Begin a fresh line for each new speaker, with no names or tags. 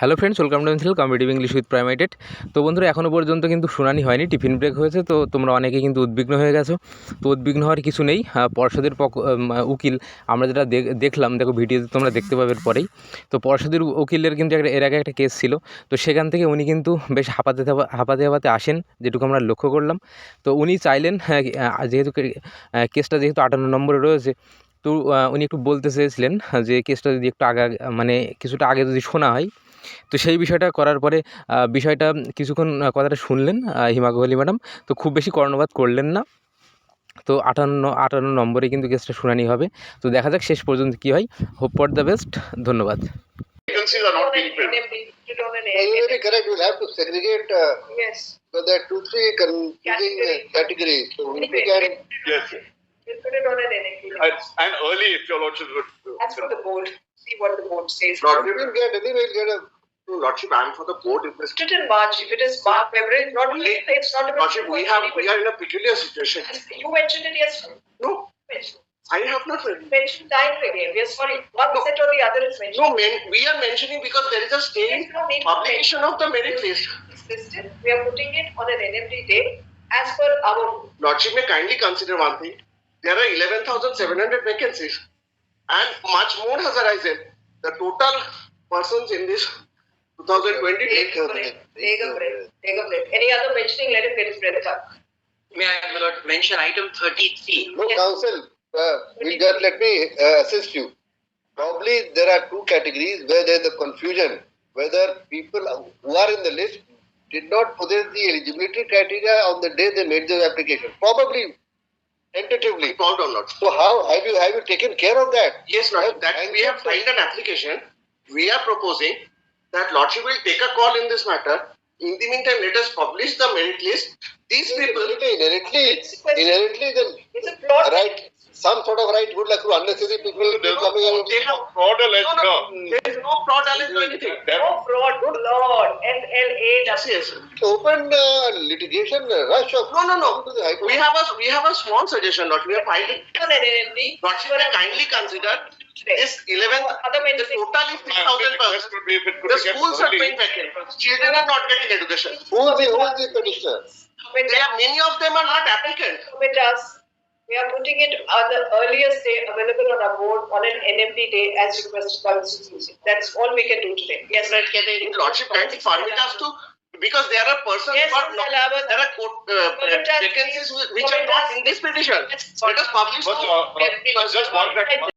Hello friends, welcome to channel competitive English with প্রাইমাইটেড। তো বন্ধুরা, এখনও পর্যন্ত কিন্তু শুনানি হয়নি, টিফিন ব্রেক হয়েছে। তো তোমরা অনেকে কিন্তু উদ্বিগ্ন হয়ে গেছো। তো উদ্বিগ্ন হওয়ার কিছু নেই। পর্ষদের উকিল আমরা যেটা দেখলাম, দেখো ভিডিওতে তোমরা দেখতে পাবে পরেই। তো পর্ষদের উকিলের কিন্তু এর আগে একটা কেস ছিল। তো সেখান থেকে উনি কিন্তু বেশ হাঁপাতে আসেন, যেটুকু আমরা লক্ষ্য করলাম। তো উনি চাইলেন, যেহেতু কেসটা যেহেতু 58 নম্বরে রয়েছে, তো উনি একটু বলতে চেয়েছিলেন যে কেসটা যদি একটু মানে কিছুটা আগে যদি শোনা হয়। তো সেই বিষয়টা করার পরে বিষয়টা কিছুক্ষণ কথাটা শুনলেন হিমা কোহলি ম্যাডাম। তো খুব বেশি কর্ণপাত করলেন না। তো 58 নম্বরে কিন্তু কেসটা শুনানি হবে। তো দেখা যাক শেষ পর্যন্ত কী হয়। Hope for the best. ধন্যবাদ।
Vacancies are not being filled.
You're very correct. We'll have to segregate.
Yes.
But there are 2-3 confusing categories. So we can.
Yes.
We'll put it on an NAP.
And early, if your lordship would.
That's for the board. See what the board says.
Lordship,
We'll get anyway. We'll get a.
lordship, and for the board, if this.
Put it in March. If it is March, February, not only it's not about.
Lordship, we are in a peculiar situation.
You mentioned it yesterday.
No,
You mentioned.
I have not read.
Mentioned time frame. We are sorry. One set or the other is mentioned.
No, we are mentioning because there is a state
There's no need to
publication of the merit list.
It's listed. We are putting it on an NMD day as per our.
Lordship may kindly consider one thing. There are 11,700 vacancies, and much more has arisen. The total persons in this 2020.
Take a break. Take a break. Take a break. Any other mentioning, let him get his breath up.
May I, my lord, mention item 33?
No,
Yes.
counsel. Let me assist you. Probably there are 2 categories where there is a confusion whether people who are in the list did not possess the eligibility criteria on the day they made their application. Probably, tentatively.
Called or not?
So how have you taken care of that?
Yes, Lordship, that we have filed an application. We are proposing that Lordship will take a call in this matter. In the meantime, let us publish the merit list. These people,
Inherently, then
It's a plot.
right, some sort of right would like to unnecessary people coming and
they have fraud alleged. No, there is no fraud alleged or anything.
No fraud, good lord. FLA.
Yes.
open litigation rush of
No.
to the High Court.
We have a small suggestion, Lordship. We are filing.
On an NMD.
Lordship will kindly consider this 11.
Other
The
mentioning.
total is 6,000 persons. The schools are going vacant. Children are not getting education.
Who is the petitioner?
There are many of them are not applicants.
With us, we are putting it on the earliest day available on our board on an NMD day as requested by the CCC. That's all we can do today. Yes, right.
Lordship kindly permit us to, because there are persons
Yes,
who are not,
I'll have a-
there are vacancies which are not in this petition. Let us publish.
Just one second.